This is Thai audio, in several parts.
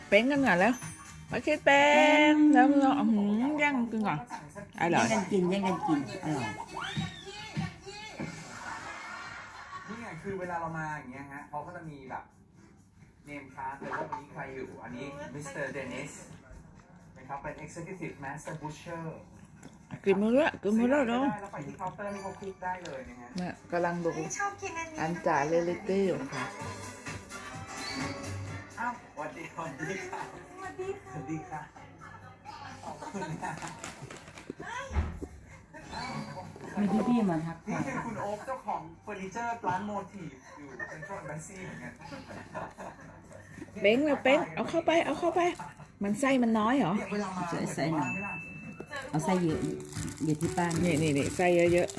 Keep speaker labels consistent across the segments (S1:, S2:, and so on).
S1: เป้งกันก่อนแล้วมาคิดเป้งแล้วเราย่างกันก่อนอร่อย
S2: แย่งกันกินอร่อย
S3: นี่ไงคือเวลาเรามาอย่างเงี้ยฮะเขาก็จะมีแบบเนมคาร์ดเลยว่าวันนี้ใครอยู่อันนี้มิสเตอร์เดนิสนะครับเป็น Executive Master Butcher
S1: กินมื้อเนาะ
S3: แล้วไปที่เคาน์เตอร์นี่เขาคลิกได้เลยนะฮะ
S1: เนี่ยกำลังดู
S4: ชอบกินอันนี้
S1: อันจ่าเรลิตี้อยู่ค่ะ
S3: อ้าวสวัสดีค่ะ
S4: สวัสดี
S3: สวัสดีค่ะขอบคุณค่ะ
S2: มีพี่ๆมาทัก
S3: นี่
S2: ทาย
S3: คือคุณโอ๊คเจ้าของเฟอร์นิเจอร์ร้านโมทีฟอยู่เซ็นทรัลแบงซี่เหมือนกัน
S1: เป้งเร็วเป้งเอาเข้าไปมันไส้มันน้อยเหรอ
S3: เนี่ยเวลามา
S2: ใส่หน่อยเอาไส้เยอะอยู่ที่ป้าน
S1: นี่ไส้เยอะ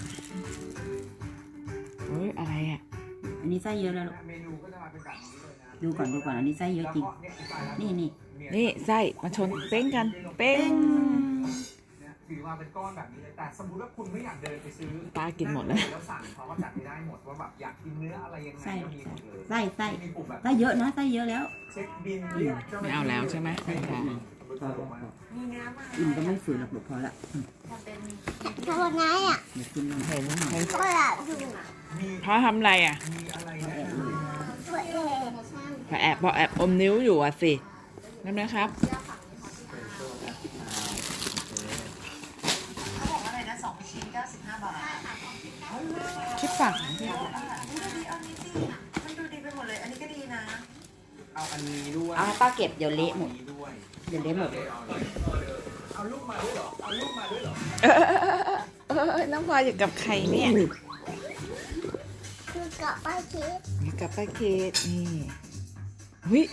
S1: ๆเฮ้ยอะไรอ่ะ
S2: อันนี้ไส้เยอะแล้วลูก
S3: เมนูก็จะมาเป็นแบบนี้เลยนะ
S2: ดูก่อนอันนี้ไส้เยอะจริงนี่
S1: นี่ไส้มาชนเป้งกันเป้ง
S3: เนี่ยถือมาเป็นก้อนแบบนี้เลยแต่สมมติว่าคุณไม่อยากเดินไปซื้อ
S1: ปลากินหมดแล้ว
S3: แล้วสั่งเขาก็จัดให้ได้หมดว่าแบบอยากกินเนื้ออะไรยังไง
S2: ไส้
S3: ก็มีหมดเลย
S2: ไส้
S3: มีปุ่มแบบ
S2: ไส้เยอะนะไส้เยอะแล้ว
S3: เช็คบินเรียกเจ้าห
S1: ไม่
S3: น้าที่
S1: เอาแล้วใช่ไหม
S3: ใช่ค่ะ
S4: มีน้ำมา
S2: อิ่มก็ไม่ฝืนหรอกลูกพอละ
S4: มันเป็น
S5: ตัวไหนอ่ะ
S2: เดี๋ยวกินนม
S1: เห็น
S5: ตัวละดู
S3: มี
S1: พ่อทำอะไรอ่ะ
S3: มีอะไรนะ
S5: ตัวเอง
S1: พอแอบอมนิ้วอยู่อ่ะสินั่นนะครับ
S4: เขาบอกว่าอะไรนะ2 ชิ้น 95 บาท
S1: คิดฝั่ง
S4: อันนี้สิมันดูดีไปหมดเลย อันนี้ก็ดีนะ
S3: เอาอันนี้ด้วย
S2: เอาป้าเก็บเดี๋ยวเละหมด
S3: อันนี้ด้วย
S2: เดี๋ยวเละหมด
S3: เอาลูกมาด้วยเหรอเอาลูกมาด้วยเหรอ
S1: น้องพลอยอยู่กับใครเนี่ย
S5: คือกับป้าคิด
S1: อยู่กับป้าเคสนี่เฮ้ย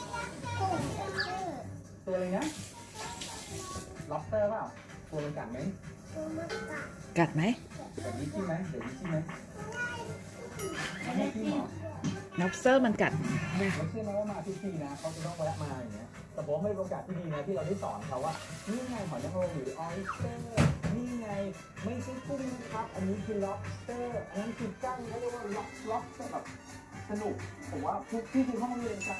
S3: ตัวอะไรนะ lobster เปล่าตัวมันกัดไหม
S1: กัดไหม
S3: เดี๋ยวนี้จิ้มไหมเดี๋ยวนี้จิ้มไหมไม่ให้จิ้มเหรอ
S1: น็อบเซอร์มันกัด
S3: แล้วเชื่อไหมว่ามาทุกทีนะเขาจะต้องแวะมาอย่างเงี้ยแต่ผมไม่เป็นโอกาสที่ดีนะที่เราได้สอนเขาว่านี่ไงหอยนางรมหรือ oyster นี่ไงไม่ใช่กุ้งนะครับอันนี้คือ lobster อันนั้นคือกั้งเขาเรียกว่า lobster แบบสนุกผมว่าทุกที่คือห้องเรียนกัน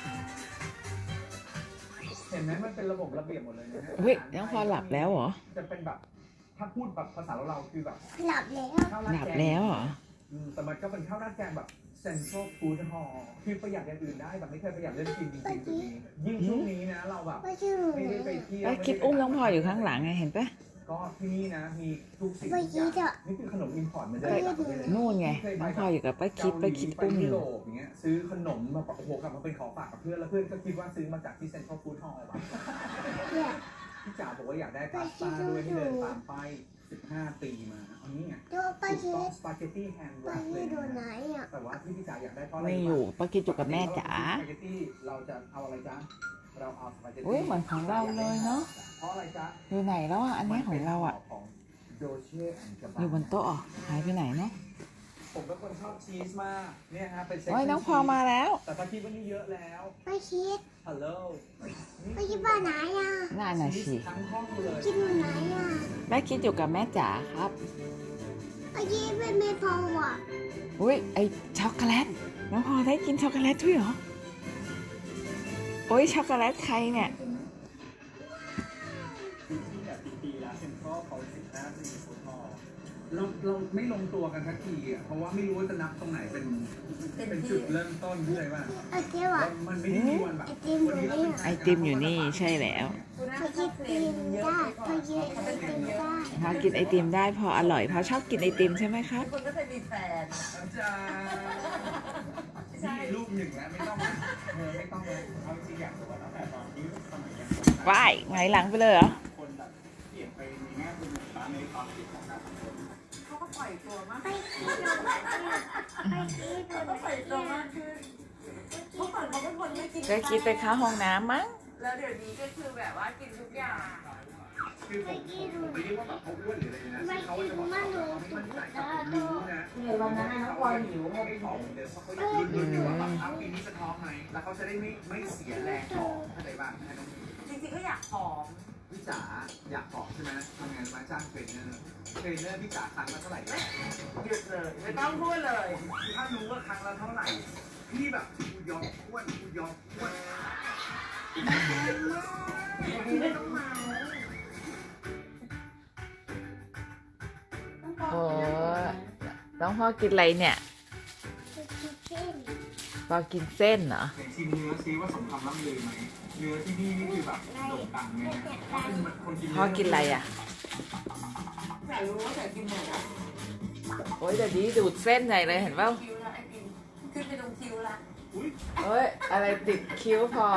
S3: เห็นไหมมันเป็นระบบระเบียบหมดเลยนะ
S1: เฮ้ยน้องพลอยหลับแล้วเหรอ
S3: จะเป็นแบบถ้าพูดแบบภาษาเราคือแบบ
S5: หลับแล้ว
S3: ข้าว
S1: ห
S3: ราด
S1: ลับ
S3: แกง
S1: แล้วเหรอ
S3: แต่มันก็เป็นข้าวราดแกงแบบ Central Food Hall คือประหยัดอย่างอื่นได้แบบไม่เคยประหยัดเรื่องกินจริงๆแบบนี้ยิ่งช่วงนี้นะเราแบบ
S5: ป้าชื่อ
S3: ไม่ได้ไปเที่ยว
S1: ป้าคิดอุ้มน้องพลอยอยู่ข้างหลังไงเห็นปะ
S3: ก็ที่นี่นะมีทุกสิ่ง
S5: ป้า
S3: ทุกอ
S5: คิ
S3: ย่า
S5: ด
S3: ง
S5: อ่ะ
S3: นี่คือขนมอินพอร์ตมาได้
S1: นู่นไงน้องพลอยอยู่กับป้าคิดอุ้ม
S3: ไป
S1: อ
S3: ยุ
S1: ยู่
S3: โรปอย่างเงี้ยซื้อขนมมาโอ้โหกลับมาเป็นของฝากกับเพื่อนแล้วเพื่อนก็คิดว่าซื้อมาจากที่ Central Food Hall ป่ะ
S5: เนี่ย
S3: พี่จ๋าบอกว่าอยากได้พาสต้าด้วยที่เดินตามป้าย15 ปีมาเอานี้ไง
S5: ตัวป้า
S3: ถูก
S5: คิ
S3: ต้อง
S5: ด
S3: สปาเกตตี้แฮนด์
S5: ป้า
S3: แรปเล
S5: คิ
S3: ย
S5: ดดูไหน
S3: นะ
S5: อ่ะ
S3: แต่ว่าที่พี่จ๋าอยากได้เพราะอะไร
S1: ไม่อยู่ป้าคิดอยู่กับแม่จ๋า
S3: สปาเกตตี้เราจะเอาอะไรจ๊ะเราเอาสปาเกตตี้
S1: อุ้ยเหมือนของเราเลยเนาะ
S3: เพราะอะไรจ๊ะ
S1: อยู่ไหนแล้วอ่ะอันนี้ของเราอ่ะ
S3: ของโดเช่แอนด์กาบา
S1: อยู่บนโต๊ะอ่ะหายไปไหนเนาะ
S3: ผมเป็นคนชอบชีสมากเนี่ยฮะเป็นเซ็ก
S1: โอ้ยน้องพลอยมาแล้ว
S3: แต่ป้าคิดว่านี่เยอะแล้ว
S5: ป้าคิด
S3: ฮัลโหล
S5: ป้าคิดว่าไหนอ่ะ
S1: น่าหน่ะ
S3: ชี
S1: สิ
S3: สทั้งห้องเลย
S5: คิดดูไหนอ่ะ
S1: ป้าคิดอยู่กับแม่จ๋าครับ
S5: ป้าคิดไม่พออ่ะ
S1: อุ้ยไอช็อกโกแลตน้องพลอยได้กินช็อกโกแลตด้วยเหรอโอ้ยช็อกโกแลตใครเนี่ย
S3: ที่แบบปีละเซ็นทรัลเขา15 ปีฟุตบอลเราไม่ลงตัวกันสักทีอ่ะเพราะว่าไม่รู้ว่าจะนับตรงไหนเป็นจุดเริ่มต้นใช่ป่ะ
S5: ไอเจ๊ว่ะ
S3: มันไม่ได้มีวันแบบ
S1: ไอติมอยู่นี่ใช่แล้ว
S5: ป้าคิดกินได้ป้าคิดกินได้
S1: พอกินไอติมได้พออร่อยพอชอบกินไอติมใช่ไหมครับ
S4: คนก็เคยมีแฟน
S3: อาจารย์นี่ลูกหนึ่งแล้วไม่ต้องไม่ต้องเลยเอาจริงๆอยากบอกว่าตั้งแต่ตอนที่สมัยยัง
S1: ว้ายไงหลังไปเลยเหรอ
S3: คนแบบเปลี่ยนไปในแง่เป็นร้านในความคิดของการสังคม
S4: เขาก็ปล่อยตัวมาก
S5: ป้าคิดดูไหนอ่ะป้าคิดดู
S4: เขา
S5: ไห
S4: ก็ปล่อยตัวน
S5: อ่ะ
S4: มากขึ้นเมื่อก่อนเขาเป็นคนไม่กิน
S1: ก็คิดไปเข้าห้องน้ำมั้ง
S4: แล้วเดี๋ยวนี้ก็คือแบบว่ากินทุกอย่าง
S3: คือผมไม่ได้ว่าแบบเขาอ้วนหรืออะไรนะเขาจะบอกว่าเขาไม่มั่นใจกับรู้นะ
S2: เนี่ยวันนั้นน้องพลอยหิว
S3: เขาไม่ท้องเหมือนเดิมเพราะเขาอยากลุ้นๆอยู่ว่าแบบเอาปีนี้จะท้องไหมแล้วเขาจะได้ไม่เสียแรงท้องอะไรบ้างให้น้อง
S4: จริงๆก็อยากผอม
S3: พี่จ๋าอยากผอมใช่ไหมทำงานมาจ้างเทรนเนอร์พี่จ๋าครั้งละเท่าไหร่
S4: หยุดเลยไม่ต้องพูดเลย
S3: ถ้ารู้ว่าครั้งละเท่าไหร่พี่แบบกูยอมอ้วนกูยอมอ้วน
S1: โอ้น้องพ่อกินอะไรเนี่ยพอกินเส้นเหรอ
S3: ไหนชิมเนื้อซิว่าสมคำล่ำลือไหมเนื้อที่นี่นี่คือแบบโด่งดังเลยนะถ้าเป็นคนกิน
S1: พ่อกินอะไรอ่ะ
S4: แต่รู้ว่าแต่กินหมดอ่ะ
S1: โอ้ยแต่นี้ดูดเส้นใหญ่เลยเห็นเปล่า
S4: คิ้วละไอติมขึ้นไปตรงคิ้วละ
S1: โอ้ยอะไรติดคิ้วพอ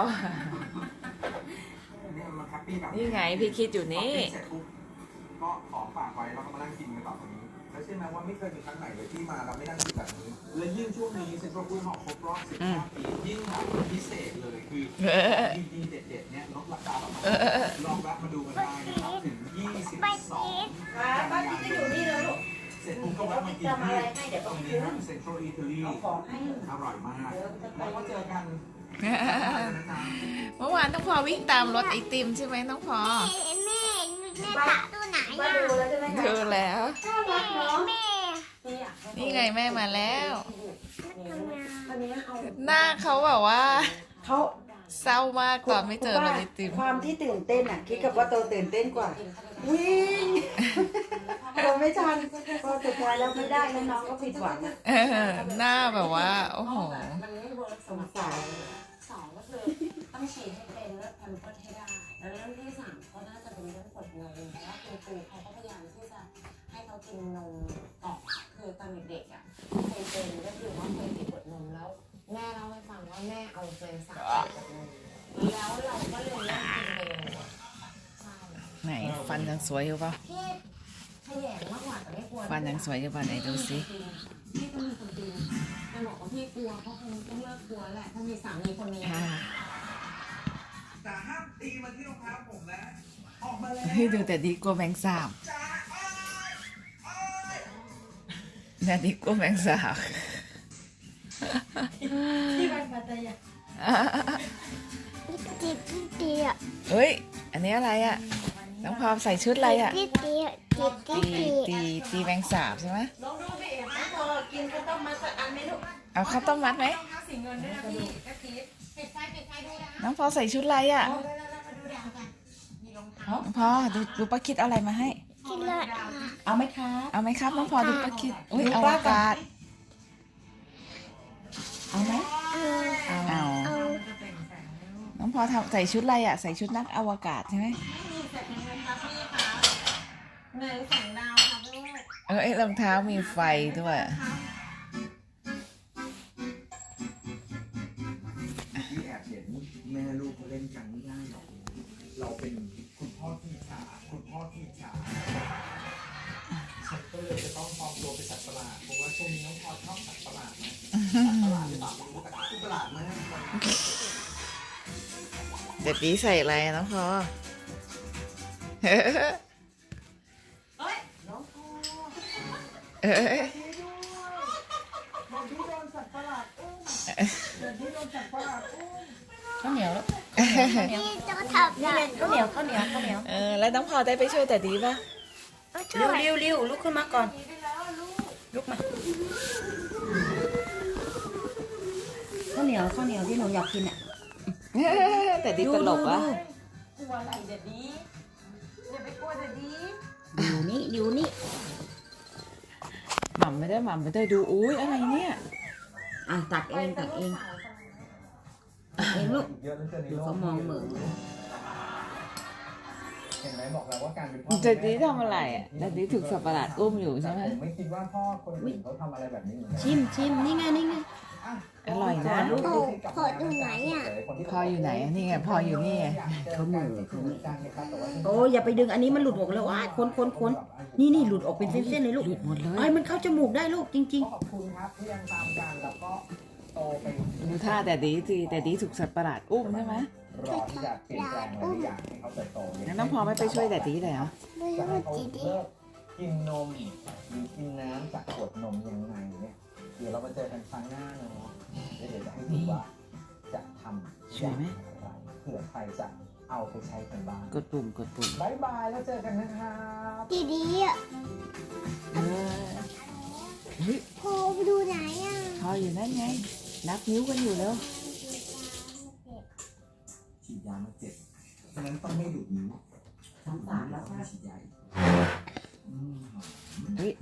S3: เนี่ยมันแฮปปี้แบบ
S1: นี่ไงพี่คิดอยู่นี่
S3: เสร็จปุ๊บก็ขอฝากไว้แล้วก็มานั่งกินกันต่อตรงนี้แล้วเชื่อไหมว่าไม่เคยมีครั้งไหนเลยที่มาเราไม่นั่งกินแบบนี้และยิ่งช่วงนี้เซ็นทรัลฟู้ดฮอลล์ครบรอบ15 ปียิ่งแบบพิเศษเลยคือดีๆเด็ดๆเนี่ยลดราคาแบบลองแวะมาดูกันได้นะครับถึง22
S4: บ้านที่จะอยู่นี่เลยลูก
S3: เสร็จปุ๊บก็แวะมากินที่ตรงนี้ครับเซ็นทรัลอิตาลีอร่อยมากแล้วก็เจอกัน
S1: เมื่อวานน้องพอวิ่งตามรถไอติมใช่ไหมน้องพอ
S5: แม่ตาตัวไหน
S4: บ้าน
S5: อ่ะ
S4: ดูแล้วใช่ไหมคะ
S1: ดูแล้ว
S5: แม่
S1: นี่ไงแม่มาแล้ว
S4: อันนี้เอา
S1: หน้าเขาแบบว่า
S6: เขา
S1: เศร้ามากตอนไม่เจอรถไอติม
S6: ความที่ตื่นเต้นอ่ะ คิดกับว่าโตตื่นเต้นกว่า วิ่งเราไม่ทันพอสุดท้ายแล้วไม่ได้แล้วน้องก็ผิดหวังอะ
S1: เออหน้าแบบว่า โอ้โห
S4: มันไม่เวิร์ก
S6: สงสาร
S4: สองก็คือต้องฉีดให้เป็นแล้วแพมเพิร์สให้ได้ แล้วเรื่องที่สามก็น่าจะเป็นเรื่องกดนมเพราะว่าคุณครูเขาก็พยายามที่จะให้เขากินนมต่อคือตอนเด็กๆอ่ะเคยเป็นก็คือว่าเคยติดกดนมแล้ว แม่เล่าให้ฟังว่าแม่เอาเฟรนสามใส่กดนมแล้วเราก็เลยเริ่มกินเร็วใช่
S1: ไหนฟันยังสวยอยู่เปล่า
S4: พี่ขยงมากกว่าแต่ไม่กลัว
S1: ฟันยังสวยอยู่เปล่าไหนดูสิ
S4: พี่ต้องมีคนตีแต่บอกว่าพี่กลัวเพราะคงต้องเลิกกลัวแหละถ้ามีสามีคนนี้
S3: แต่ห้ามตีมาที่รองเท้าผมนะออกมาแล้ว
S1: ให้ดูแต่ดีกลัวแมงสาบแต่ดีกลัวแมงสาบ
S4: ที่บ้านปัตยา
S5: ติดเดียว
S1: เฮ้ย อันนี้อะไรอ่ะ น้องพอใส่ชุดอะไรอ่ะ
S5: ติดเดียวติด
S1: ตีแมงสาบใช่ไหม
S4: ลองดูไปเอ๋ไม่พอกินข้าวต้มมัดสักอันไหมลูก
S1: เอาข้าวต้มมัดไหม
S4: ข้าวสีเงินด้วยนะพี่กะทิปิดไฟดูนะ
S1: น้องพอใส่ชุดอะไรอ่ะ
S4: เอาแล้วมาดูดาวกันมีรองเท้า
S1: น้องพอดูป้าคิดเอาอะไรมาให้
S5: กินเลย
S6: เอาไหมคะ
S1: เอาไหมครับน้องพอดูป้าคิด อุ้ย
S6: ดู
S1: เอา
S6: ป้า
S1: อากาศ
S6: เอาไหม
S1: เอา
S5: เอา
S1: น้องพอใส่ชุดอะไรอ่ะ ใส่ชุดนักอวกาศใช่ไหม
S4: นี่เสร็จยังไงคะพี่คะหนึ่งแสงดาวค่ะลูก
S1: ไอ้รองเท้ามีไฟด้วย
S3: ที่แอบเห็นแม่ลูกเขาเล่นกันไม่ได้หรอกเราเป็นคุณพ่อที่อิจฉาคุณพ่อที่อิจฉาฉันก็เลยจะต้องปลอมตัวเป็นสัตว์ประหลาดเพราะว่าช่วงนี้น้องพอชอบสัตว์ประหลาดนะสัตว์ประหลาดหรือเปล่าไม่รู้แต่คือประหลาดมาก
S1: เด็ดดีใส่อะไรอะน้องพอ
S4: เฮ้ยน้อง
S1: เอ้ย
S6: ข้าวเหนียว
S5: พี่ต้องทำ
S6: นี่
S5: ได้
S6: เลยข้าวเหนียวข้าวเหนียวข้าวเหนียว
S1: แล้วน้องพอได้ไปช่วยแต่ดีป่ะ
S5: ช่วย
S6: เร็วเร็วลุกขึ้นมาก่อน ลุกมา ข้าวเหนียวที่หนูอยากกินอ่ะ
S1: แต่ดีตลกอ่ะ
S4: กลัวอะไรเด็ดดีอย่าไปกลัวเด็ดดี
S6: อยู่นี่
S1: หม่ำไม่ได้ดูอุ้ยอะไรเนี่ย
S6: อ่ะตักเองตักเองลูก
S3: เยอะเหลือเกินใน
S6: ดู
S3: โลก
S6: เขามองเหมือน
S3: เห็นไหมบอกแล้วว่าการเป็นพ่อ
S1: แต่ดีทำอะไรอ่ะแต่ดีถูกสัตว์ประหลาดอุ้มอยู่ใช่ไหม
S3: ผมไม่คิดว่าพ่อคนอื่นเขาทำอะไรแบบนี้เหมือนกัน
S6: ชิมนี่ไง
S1: อร่อยนะ
S5: โอ้พอดูไหนอ่ะ
S1: พออยู่ไหนอะนี่ไงพออยู่นี่ไง
S6: เขาเหมือนโอ้อย่าไปดึงอันนี้มันหลุดออกแล้วอ่ะคนนี่หลุดออกเป็นเส้นๆเลยลูก
S1: หลุดหมดเลย
S6: ไอ้มันเข้าจมูกได้ลูกจริง
S3: ขอบคุณครับที่ยังตามกันแล้วก็โตเป็น
S1: ดูท่าแต่ดีถูกสัตว์ประหลาดอุ้มใช่ไหม
S3: รอที่จะเปลี่ยนแปลงหลายอย่างให้เขาเติบโต
S1: งั้นน้องพอไม่ไปช่วยแต่ดีเลยเหรอ
S5: ไม่
S3: จะ
S5: รู้
S3: ให้เขา
S5: จีดี
S3: เลิกกินนมหรือกินน้ำจากขวดนมยังไงเนี่ยเดี๋ยวเรามาเจอกันครั้งหน้าเนาะเดี๋ยวจะให้ดูว่าจะทำ
S1: ช่วยไหม
S3: อะไรเผื่อใครจะเอาไปใช้กันบ้าง
S1: กดปุ่ม
S3: บายบายแล้วเจอกันนะครับ
S5: จีดีอ่ะ
S1: เออเฮ้ย
S5: พอดูไหนอ่ะ
S1: พออยู่นั่นไงนับนิ้วกันอยู่แล้ว
S3: ฉีดยาฉะนั้นต้องไม่ดุนิ้ว
S6: 3 แล้วค่ะ
S3: ฉีดยาอีก
S1: เฮ้ย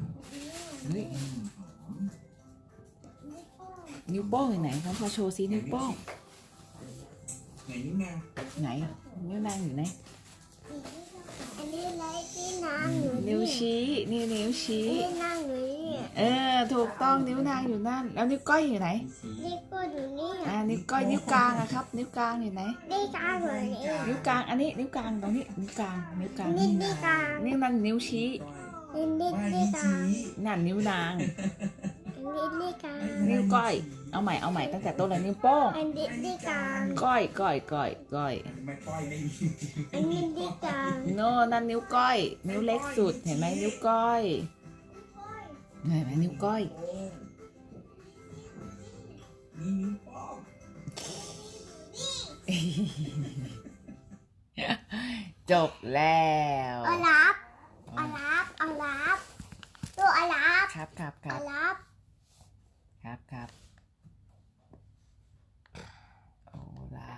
S1: นิ้วโป้งอยู่ไหนน้องพอโชว์ซินิ้วโป้ง
S3: ไหนนิ้วนาง
S1: ไหนนิ้วนางอยู่ไหน
S5: อันนี้อะไรที่นั่งอยู่
S1: นิ้วชี้นี่นิ้วชี้
S5: ที่นั่งอยู่นี่
S1: ถูกต้องนิ้วนางอยู่นั่น แล้วนิ้วก้อยอยู่ไหน
S5: นี่ก็อยู่นี่
S1: นิ้วก้อยนิ้วกลางอะครับ นิ้วกลางอยู่ไหน
S5: นี่กลางอยู่นี่
S1: นิ้วกลางอันนี้นิ้วกลางตรงนี้นิ้วกลางนิ้วกลาง
S5: นี่กลาง
S1: นี่นั่นนิ้วชี้
S5: นี่กลาง
S1: นั่นนิ้วนาง
S5: นี่กลาง
S1: นิ้วก้อยเอาใหม่ตั้งแต่ต้นเลยนิ้วโป้ง
S5: อันนี้กลาง
S1: ก้อย
S3: ไม่ป้อยไม่มี
S5: อันนี้กลาง
S1: โน่นั่นนิ้วก้อย นิ้วเล็กสุดเห็นไหมนิ้วก้อยเห็นไหมนิ้วก้อย
S3: นี่นิ้วโป้ง
S1: จบแล้ว
S5: เอารับตัวเอารับ
S1: ครับ
S5: เอารับ
S1: ครับโอ้ลา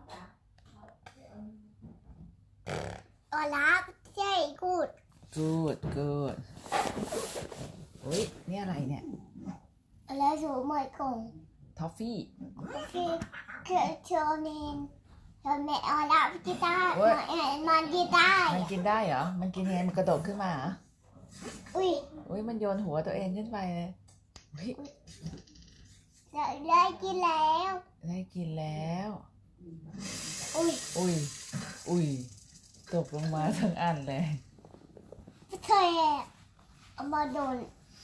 S5: เอารับใช่กูด
S1: good อุ้ยนี่อะไรเนี่ย
S5: แล้วสูงเหมือนกง
S1: ทอฟฟี่
S5: คือโชเนนเอารับกีตาร์มันกีตาร์
S1: มันกินได้เหรอ มันกินยังไงมันกระโดดขึ้นมาเหรอ
S5: อุ้ย
S1: มันโยนหัวตัวเองขึ้นไปเลยอุ๊ย
S5: ได้กินแล้ว
S1: ได้กินแล้ว
S5: อุ้ย
S1: อุ้ยตกลงมาทั้งอันเลย
S5: เคยเอามาโดน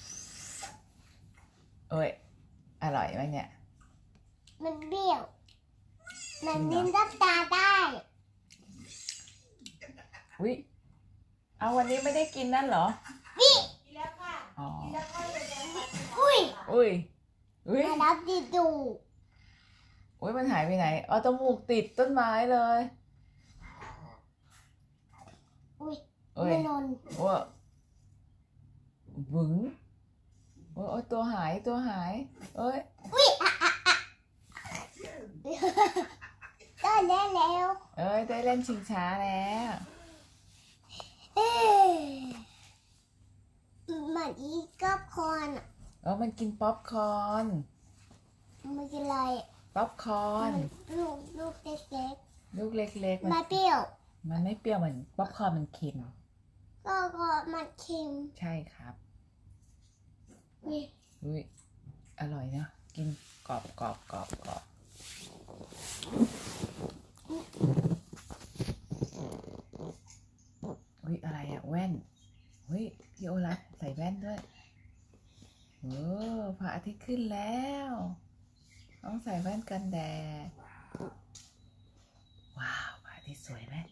S1: เอ้ยอร่อยไหมเนี่ย
S5: มันเบี้ยวมันนิ้นรับตาได้
S1: อุ้ยเอาวันนี้ไม่ได้กินนั่นเหรอ
S5: นี่
S1: อ๋อ
S5: อุ้ย
S1: อุ้ย
S5: มารับดีดู
S1: อุ้ยมันหายไปไหนเอาจมูกติดต้นไม้เลย
S5: อุ้ย
S1: เอ้ย
S5: ไม่นอน
S1: ว่าหวึงโอ้ยตัวหายเอ้ย
S5: ได้แล้ว
S1: เอ้ยได้เล่นชิงช้าแล้ว
S5: มันอีกก็พร
S1: มันกินป๊อปคอร์น
S5: มันกินอะไร
S1: ป๊อปคอร์น
S5: ลูกเล็ก
S1: ลูกเล็กๆ
S5: ๆมาเปรี้ยว
S1: มันไม่เปรี้ยวเหมือนป๊อปคอร์นมันเค็ม
S5: ก็มันเค็ม
S1: ใช่ครับ
S5: นี่
S1: อุ้ยอร่อยนะกินกรอบอุ้ยอะไรอะแว่นอุ้ยพี่โอรัสใส่แว่นด้วยพระอาทิตย์ขึ้นแล้วต้องใส่แว่นกันแดดว้าวพระอาทิตย์สวยไหม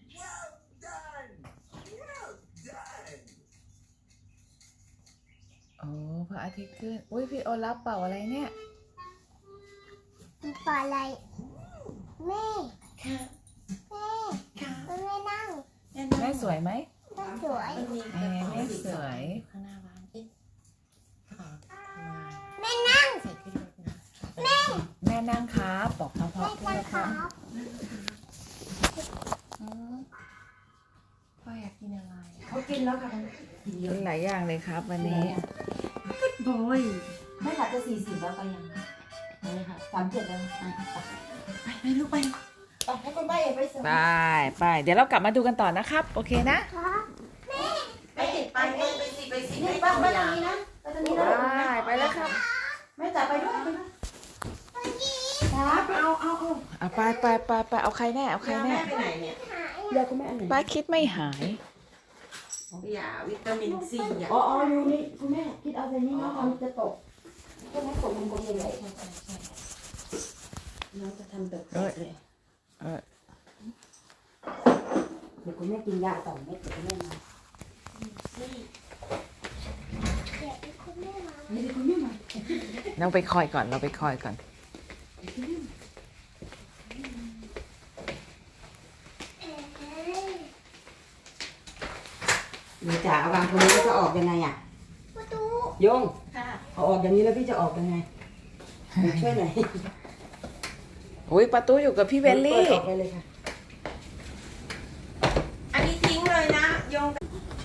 S1: พระอาทิตย์ขึ้นอุ้ยพี่โอรัสเป่าอะไรเนี่ย
S5: ปลาอะไรแม่แม่นั่ง
S1: แม่สวยไหม
S5: แม่สวย
S1: แม่สวย
S4: ข้างหน้าร้าน
S5: แม่นั่ง
S4: ใส่ขึ้นรถนะ
S1: แม่นั่งครับบอกเพราะ
S5: แม่
S1: ๆ
S5: นั่งครับ
S4: พ่ออยากกินอะไร
S6: เขากินแล้วค่ะกินเย
S1: กิ
S6: อะ
S1: นหลายอย่างเลยครับวันนี้
S6: โอ้ยไม่ค่ะจะ40แล้วก็ยัง
S4: นี่ค่ะ
S6: 37แล้ว
S4: ไปลูกไป
S6: ให้คนใบ้ไปเสริม
S1: ไปเดี๋ยวเรากลับมาดูกันต่อนะครับ โอเคนะ
S5: ครับ
S6: ไปสินี่ป้าไปตรงนี้นะไปตรงนี้นะ
S1: ไปแล้วครับ
S6: แม่จ๋าไปด้วยครับเอา
S1: ไปเอาใครแน่เอาใครแน่
S6: แม่ไปไหนเนี่ยยาคุณแม่อันไหน
S1: ป้าคิดไม่หาย
S6: ยาวิตามินซีอ๋ออยู่นี่คุณแม่คิดเอาไปนี่น้องจะตกก็ไม่ตกมันคงใหญ่ใช่น้องจะทำแบบเลยเดี๋ยวคุณแม่กินยา2 เม็ดเดี๋ยวคุณแม่มา
S5: เดี๋ยวคุณแม่มา
S6: เดี๋ยวคุณแม่มา
S1: เราไปคอยก่อนเราไปคอยก่อน
S6: เดี๋ยวจ๋าเอาวางตรงนี้แล้วจะออกยังไงอ่ะ
S5: ประตู
S6: โยงเอาออกอย่างนี้แล้วพี่จะออกยังไงช่วยหน่อย
S1: อุ้ยประตูอยู่กับพี่เบลลี่
S6: เปิดออกไปเลยค่ะโยง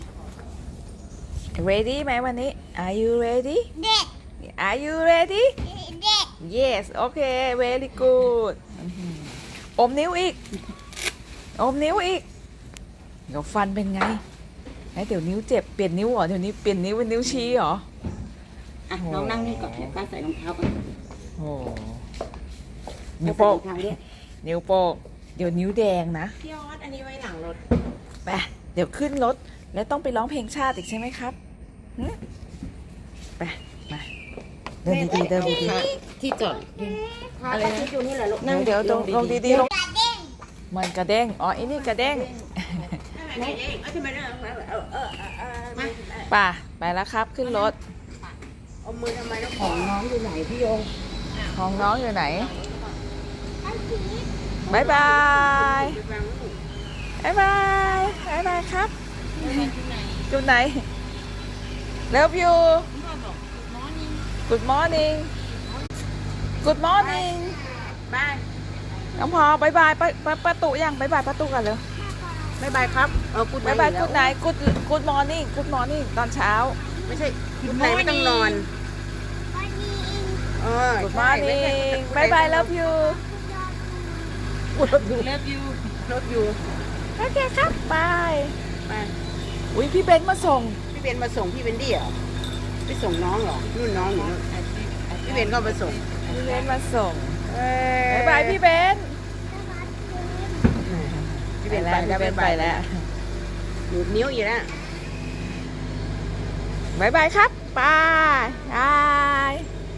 S1: ready ไหมวันนี้ are you ready
S5: เด็ก
S1: are you ready
S5: เด็ก
S1: yes okay very good อมนิ้วอีก อมนิ้วอีก เดี๋ยวฟันเป็นไงเดี๋ยวนิ้วเจ็บ เปลี่ยนนิ้วเหรอ เดี๋ยวนี้เปลี่ยนนิ้วเป็นนิ้วชี้เหรอ
S2: อ่ะน้องนั่งนี่ก่อนเดี๋ยวป้าใส่รองเท้าก่อน
S1: โอ้
S2: ป้า
S1: นิ้ว
S2: ใส่
S1: โป้
S2: รง องเท้าเนี่ย
S1: นิ้วโป้งเดี๋ยวนิ้วแดงนะ
S4: พี่ออสอันนี้ไว้หลังรถ
S1: ไป เดี๋ยวขึ้นรถ แล้วต้องไปร้องเพลงชาติอีกใช่ไหมครับหึไป มา เดินดีๆ เดินดี
S2: ที่จอดอะไรนะอยู่นี่แหละลูก
S1: ๆเดี๋ยวตรงลงดีๆลง
S5: กระเด้ง
S1: มันกระเด้ง อ๋ออันนี้กระเด้งป่ะ ไปแล้วครับ ขึ้นรถ
S2: เอามือทำไมแล้วของน้องอยู่ไหนพี่โยง
S1: ของน้องอยู่ไหน
S5: ทั้งที
S1: บายบาย บายบาย บายบายครับ จุดไหน Love you Good morning Good morning
S6: บาย
S1: น้องพอบายบายประตูยังบายบายประตูกันเลย
S6: บายบายครับกูด
S1: บายบาย Good night Good morning Good morning ตอนเช้า
S6: ไม่ใช่กูดไนไม่ต้องนอน
S5: วันนี้
S1: Good morning บายบาย Love you
S6: รถอยู่รถอยู่
S1: โอเคครับบาย
S6: ไป
S1: อุ้ยพี่เบนซ์มาส่ง
S6: พี่เบนมาส่งพี่เบนดี้เหรอไปส่งน้องเหรอนู่นน้องอยู่นู่นพี่เบนก็มาส่ง
S1: พี่เบนซ์มาส่ง
S6: เอ้ย
S1: บายบายพี่เบนซ์
S6: พี่
S1: ไป
S6: เบน
S1: แล้ว
S6: ไป
S1: พี่เบนซ์ไปแล้ว
S6: หนูนิ้วอยู่แล้ว
S1: บายบายครับบายบาย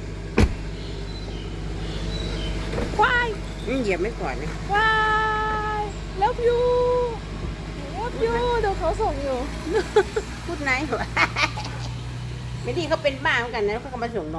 S1: ว้าย
S6: เหยียบไม่ก่อนนะ
S1: ว้าย love you love you เดี๋ยวเขาส่งอยู่
S6: พูดไนท์เหรอ ไม่ดีเขาเป็นบ้าเหมือนกันนะเขาก็มาส่งน้อง